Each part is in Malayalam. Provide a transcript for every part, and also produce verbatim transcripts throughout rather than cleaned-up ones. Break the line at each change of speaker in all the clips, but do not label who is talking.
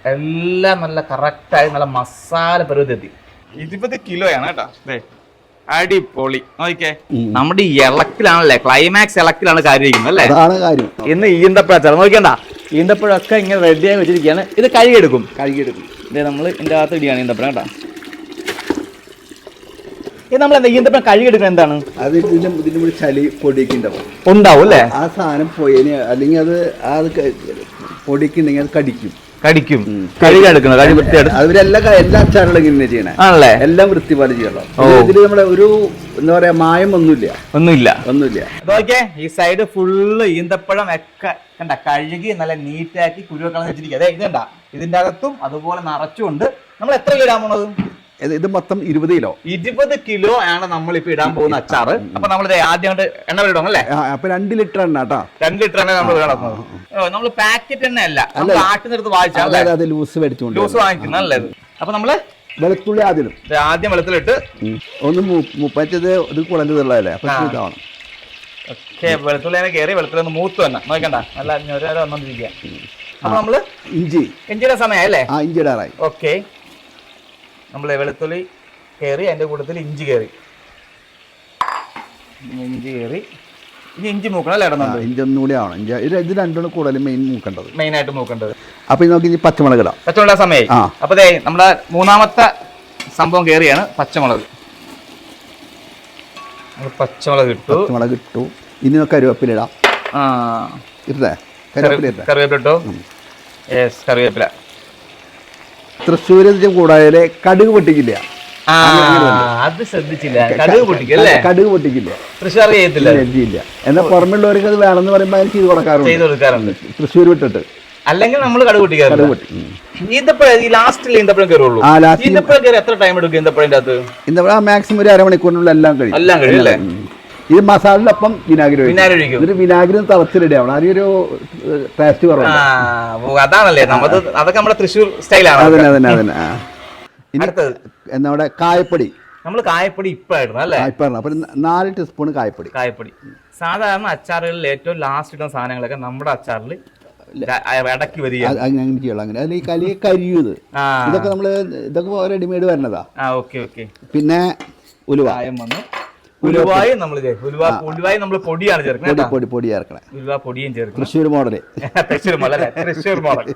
എല്ലാം നല്ല കറക്റ്റായി നല്ല മസാല പരുവത്തി ഇരുപത് കിലോയാണ് കേട്ടോ. അടിപൊളി. നോക്കിക്കേ, നമ്മുടെ ഈ ഇളക്കിലാണല്ലേ, ക്ലൈമാക്സ് ഇളക്കിലാണ് കാര്യം ഇരിക്കുന്നത് അല്ലേ.
അതാണ് കാര്യം.
ഇന്ന് ഈന്തപ്പഴച്ചാറ് നോക്കിയണ്ട, ഈന്തപ്പഴമൊക്കെ ഇങ്ങനെ റെഡിയായി വെച്ചിരിക്കുകയാണ്. ഇത് കഴുകിയെടുക്കും
കഴുകിയെടുക്കും
ഇതേ നമ്മൾ ഇതിൻ്റെ അകത്ത് ഇടിയാണ് ഈന്തപ്പഴം കേട്ടോ. ഇത് നമ്മൾ എന്താ ഈന്തപ്പഴം കഴുകിയെടുക്കുന്നത് എന്താണ്?
അത് ഇതിന്റെ ഇതിന്റെ കൂടി ചളി പൊടിയൊക്കെ ഉണ്ടാവും
ഉണ്ടാവും അല്ലേ.
ആ സാധനം പോയതിന് അല്ലെങ്കിൽ അത് അത് പൊടിയൊക്കെ ഉണ്ടെങ്കിൽ അത് കടിക്കും
കടിക്കും കഴുകിയെടുക്കുന്നത് കഴുകി വൃത്തിയായിട്ട്.
അവരെല്ലാ എല്ലാ അച്ചാറുകളും ഇങ്ങനെ ചെയ്യണേ ആണല്ലേ, എല്ലാം വൃത്തിപാട് ചെയ്യണം. ഇതിൽ നമ്മുടെ ഒരു എന്താ പറയാ മായം ഒന്നുമില്ല ഒന്നുമില്ല ഒന്നുമില്ല
നോക്കിയേ, ഈ സൈഡ് ഫുള്ള് ഈന്തപ്പഴം ഒക്കെ കണ്ട കഴുകി നല്ല നീറ്റാക്കി കുരുവൊക്കെ വെച്ചിരിക്കുക. അതെ ഇത് കണ്ട, ഇതിന്റെ അകത്തും അതുപോലെ നിറച്ചുകൊണ്ട് നമ്മൾ എത്ര കിലോ ഇടാൻ പോണത്?
ഇത് മൊത്തം ഇരുപത് കിലോ
ഇരുപത് കിലോ ആണ് നമ്മൾ ഇപ്പൊ ഇടാൻ പോകുന്ന അച്ചാറ്. അപ്പൊ നമ്മൾ ആദ്യമായിട്ട് എണ്ണ ഇടും അല്ലേ.
അപ്പൊ രണ്ട് ലിറ്റർ എണ്ണ കേട്ടോ,
രണ്ട് ലിറ്റർ എണ്ണ നമ്മൾ കിടക്കുന്നത്. നമ്മൾ പാക്കറ്റ് എണ്ണ അല്ല, ആട്ടിനെടുത്ത് വാങ്ങിച്ചാൽ
ലൂസ് മേടിച്ചോണ്ട്
ലൂസ് വാങ്ങിക്കുന്ന നല്ലത്. അപ്പൊ നമ്മള്
വെളുത്തുള്ളി ആദ്യം
ആദ്യം വെളുത്തുള്ളിട്ട്
ഒന്ന് മുപ്പറ്റത് ഇത് കുളഞ്ഞതുള്ളതല്ലേ, അപ്പൊ ഇതാണ്
ഓക്കെ. വെളുത്തുള്ളി കയറി വെളുത്തുള്ളി ഒന്ന് മൂത്ത് തന്നെ നോക്കണ്ട, നല്ല ഞൊര വന്നോണ്ടിരിക്കുക. അപ്പൊ നമ്മള് ഇഞ്ചി ഇഞ്ചിയുടെ സമയം അല്ലേ.
ആ ഇഞ്ചി ഇടാറായി.
ഓക്കെ, നമ്മൾ വെളുത്തുള്ളി കയറി അതിന്റെ കൂട്ടത്തിൽ ഇഞ്ചി കയറി ഇഞ്ചി കയറി ഇനി ഇഞ്ചി മൂക്കണം അല്ലേ ഇടുന്നുണ്ട്.
ഇഞ്ചി ഒന്നും കൂടി ആവണം. ഇഞ്ചി ഇത് രണ്ടും കൂടുതൽ മെയിൻ മൂക്കേണ്ടത്
മെയിൻ ആയിട്ട് മൂക്കേണ്ടത്.
അപ്പൊ നമുക്ക് ഇനി പച്ചമുളക് ഇടാം.
പച്ചമുളക് സമയമായി. അപ്പൊ നമ്മുടെ മൂന്നാമത്തെ സംഭവം കയറിയാണ് പച്ചമുളക്. പച്ചമുളക് ഇട്ടു
പച്ചമുളക് ഇട്ടു ഇനി നമുക്ക് കരുവേപ്പില ഇടാം.
ആ
ഇട്ടേ കരുവേപ്പില
കറിവേപ്പില ഇട്ടു. യെസ്, കറിവേപ്പില.
തൃശ്ശൂര് കൂടാതെ കടുക് പൊട്ടിക്കില്ല.
അത് ശ്രദ്ധിച്ചില്ല, കടുക് പൊട്ടിക്കല്ലേ.
കടുക് പൊട്ടിക്കില്ല,
തൃശ്ശൂർ ചെയ്യത്തില്ല.
എന്നാൽ പുറമെയുള്ളവർക്ക് അത് വേണമെന്ന് പറയുമ്പോൾ അത് ചെയ്ത് കൊടുക്കാറുണ്ട് ചെയ്ത് കൊടുക്കാറുണ്ട് തൃശ്ശൂർ വിട്ടിട്ട്.
അല്ലെങ്കിൽ നമ്മൾ കടുക് പൊട്ടിക്കാറുണ്ട്. ഈന്തപ്പഴം ഈ ലാസ്റ്റിൽ ഈന്തപ്പഴം കയറുള്ളൂ. ഈന്തപ്പഴം കയറി എത്ര ടൈം എടുക്കും ഈന്തപ്പഴത്തിന്റെ അകത്ത്?
ഈന്തപ്പഴം മാക്സിമം ഒരു അരമണിക്കൂറിനുള്ള എല്ലാം കഴിയും.
എല്ലാം കഴിയും അല്ലേ.
ഇത് മസാലയിലൊപ്പം വിനാഗിരി
വിനാഗിരി ഒഴിക്കും.
ഇതിന് വിനാഗിരി തിളച്ചിലിടണം, അതിനൊരു ടേസ്റ്റ് കുറവാണ്.
അതാണല്ലേ നമുക്ക്, അതൊക്കെ നമ്മുടെ തൃശ്ശൂർ സ്റ്റൈലാണ്.
അതന്നെ അതന്നെ അതന്നെ നമ്മുടെ കായപ്പൊടി.
നമ്മൾ കായപ്പൊടി ഇപ്പായിരുന്നു അല്ലേ.
ഇപ്പായിരുന്നു. അപ്പൊ നാല് ടീസ്പൂൺ കായപ്പൊടി.
കായപ്പൊടി സാധാരണ അച്ചാറുകളിൽ ഏറ്റവും ലാസ്റ്റ് ഇടുന്ന സാധനങ്ങളൊക്കെ നമ്മുടെ അച്ചാറിൽ ഇടയ്ക്ക് വരിക.
അങ്ങനെ ചെയ്യണം. അങ്ങനെ അതിൽ ഈ കലി കരിയൂത് ഇതൊക്കെ നമ്മള് ഇതൊക്കെ റെഡിമെയ്ഡ് വരണതാ.
Okay okay.
പിന്നെ ഉലുവ
വന്നു. ഉലുവായി നമ്മൾ ഉലുവായി നമ്മൾ പൊടിയാണ് ചേർക്കുന്നത്.
പൊടി പൊടി ചേർക്കണേ.
ഉലുവ പൊടിയും ചേർക്കും.
Thrissur model.
Thrissur model Thrissur model.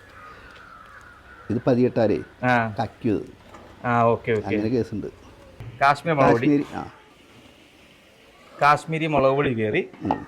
ഇത് പതിയെട്ടാരേ കക്കിയത്. അങ്ങനെ കേസുണ്ട്.
കാശ്മീർ മുളക് പൊടി. കാശ്മീരി മുളക് പൊടി കയറി.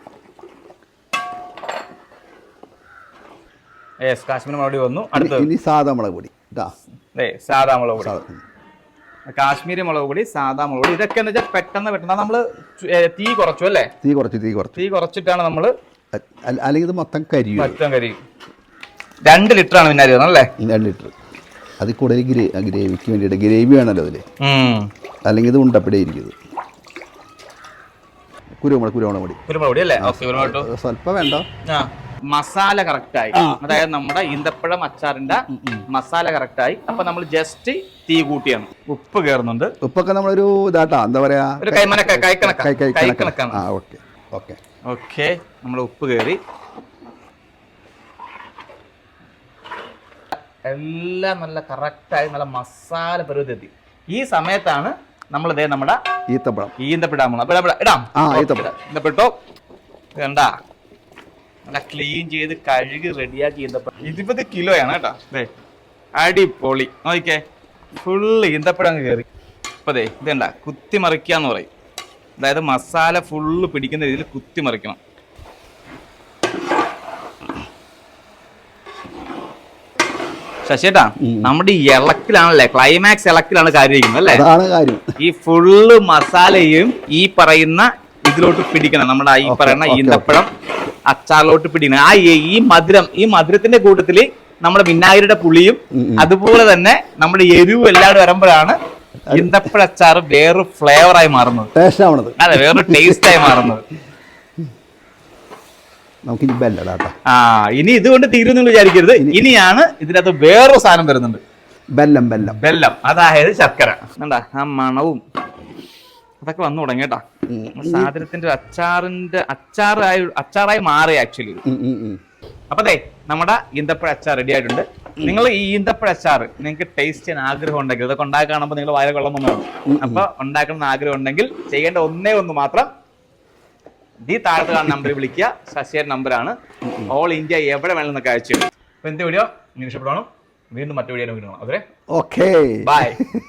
യെസ്, കാശ്മീരി മുളക് പൊടി വന്നു. അടുത്ത
ഇനി സാധാ മുളക് പൊടി.
സാധാ മുളക് പൊടി. കാശ്മീരി മുളക് പൊടി, സാധാ മുളക് പൊടി. ഇതൊക്കെ എന്ന് വെച്ചാൽ പെട്ടെന്ന് പെട്ടെന്ന് നമ്മള് തീ കുറച്ചു അല്ലേ.
തീ കുറച്ച് തീ കുറച്ച്
തീ കുറച്ചിട്ടാണ് നമ്മള്,
അല്ലെങ്കിൽ ഇത് മൊത്തം കരിയും.
മൊത്തം കരിയും. രണ്ട് ലിറ്റർ ആണ് വിനാഗിരി അല്ലേ.
രണ്ട് ലിറ്റർ. അതിൽ കൂടുതൽ ഗ്രേവിക്ക് വേണ്ടിയിട്ട് ഗ്രേവി വേണമല്ലോ അതില്, അല്ലെങ്കിൽ ഇത് ഉണ്ടപ്പടി ഇരിക്കുന്നത്. കുരുമുളക് കുരുമുളക് പൊടി
കുരുമുളക് പൊടി അല്ലേ.
സ്വല്പം വേണ്ട.
മസാല കറക്റ്റായി, അതായത് നമ്മുടെ ഈന്തപ്പഴം അച്ചാറിന്റെ മസാല കറക്റ്റായി. അപ്പൊ നമ്മൾ ജസ്റ്റ് തീ കൂട്ടിയാണ്. ഉപ്പ് കയറുന്നുണ്ട്.
ഉപ്പൊക്കെ നമ്മളൊരു ഇതാട്ടാ എന്താ പറയാ,
ഒരു കൈമനക്ക കൈക്കണക്കാണ്.
Okay okay
okay. നമ്മുടെ ഉപ്പ് കയറി എല്ലാം നല്ല കറക്റ്റായി നല്ല മസാല പരുവത്തി. ഈ സമയത്താണ് നമ്മൾ ഇതേ നമ്മുടെ
ഈത്തപ്പഴം
ഈന്തപ്പഴം ഇടാം. ഈന്തപ്പെട്ടോ കണ്ടാ നല്ല ക്ലീൻ ചെയ്ത് കഴുകി റെഡിയാക്കി ഈന്തപ്പഴം. ഇരുപത് കിലോയാണ് കേട്ടോ. അതെ, അടിപൊളി. നോക്കിക്കേ, ഫുള്ള് ഈന്തപ്പഴം കയറി. അപ്പൊ അതെ ഇതെന്താ കുത്തി മറിക്കാന്ന് പറയും. അതായത് മസാല ഫുള്ള് പിടിക്കുന്ന രീതിയിൽ കുത്തി മറിക്കണം. ശശിയേട്ടാ, നമ്മുടെ ഈ ഇളക്കിലാണല്ലേ, ക്ലൈമാക്സ് ഇളക്കിലാണ് കാര്യം ഇരിക്കുന്നത് അല്ലേ.
അതാണ് കാര്യം.
ഈ ഫുള്ള് മസാലയും ഈ പറയുന്ന ഇതിലോട്ട് പിടിക്കണം. നമ്മുടെ ഈ പറയുന്ന ഈന്തപ്പഴം അച്ചാറിലോട്ട് പിടിക്കണം. ആ ഈ മധുരം, ഈ മധുരത്തിന്റെ കൂട്ടത്തില് നമ്മുടെ വിനാഗിരിയുടെ പുളിയും അതുപോലെ തന്നെ നമ്മുടെ എരിവും എല്ലാവരും വരുമ്പോഴാണ് ഈന്തപ്പഴ അച്ചാറ് വേറൊരു ഫ്ലേവറായി മാറുന്നത്. അതെ, വേറൊരു ടേസ്റ്റായി മാറുന്നത്.
നമുക്കിനി ബെല്ലടാ.
ആ ഇനി ഇതുകൊണ്ട് തീരുന്നു വിചാരിക്കരുത്. ഇനിയാണ് ഇതിനകത്ത് വേറൊരു സാധനം വരുന്നുണ്ട്.
ബെല്ലം ബെല്ലം
ബെല്ലം അതായത് ശർക്കര. എന്താ ആ മണവും അതൊക്കെ വന്നു തുടങ്ങി കേട്ടാ. സാധനത്തിന്റെ അച്ചാറിന്റെ അച്ചാറായി അച്ചാറായി മാറി ആക്ച്വലി. അപ്പൊ അതെ നമ്മുടെ ഈന്തപ്പഴ അച്ചാർ റെഡി ആയിട്ടുണ്ട്. നിങ്ങൾ ഈ ഈന്തപ്പഴ അച്ചാർ നിങ്ങൾക്ക് ടേസ്റ്റ് ചെയ്യാൻ ആഗ്രഹം ഉണ്ടെങ്കിൽ ഇതൊക്കെ ഉണ്ടാക്കി കാണുമ്പോൾ നിങ്ങൾ വയറ് കൊള്ളം വന്നു. അപ്പൊ ഉണ്ടാക്കണം ആഗ്രഹം ഉണ്ടെങ്കിൽ ചെയ്യേണ്ട ഒന്നേ ഒന്ന് മാത്രം, ഈ താഴത്ത് കാണുന്ന നമ്പറിൽ വിളിക്കുക. ശശിയുടെ നമ്പറാണ്. ഓൾ ഇന്ത്യ എവിടെ വേണമെന്നൊക്കെ അയച്ചു. അപ്പൊ എന്ത് വീഡിയോ നിങ്ങൾക്ക് ഇഷ്ടപ്പെടണം. വീണ്ടും മറ്റു വീഡിയോ നോക്കണം. അതെ,
ഓക്കെ,
ബൈ.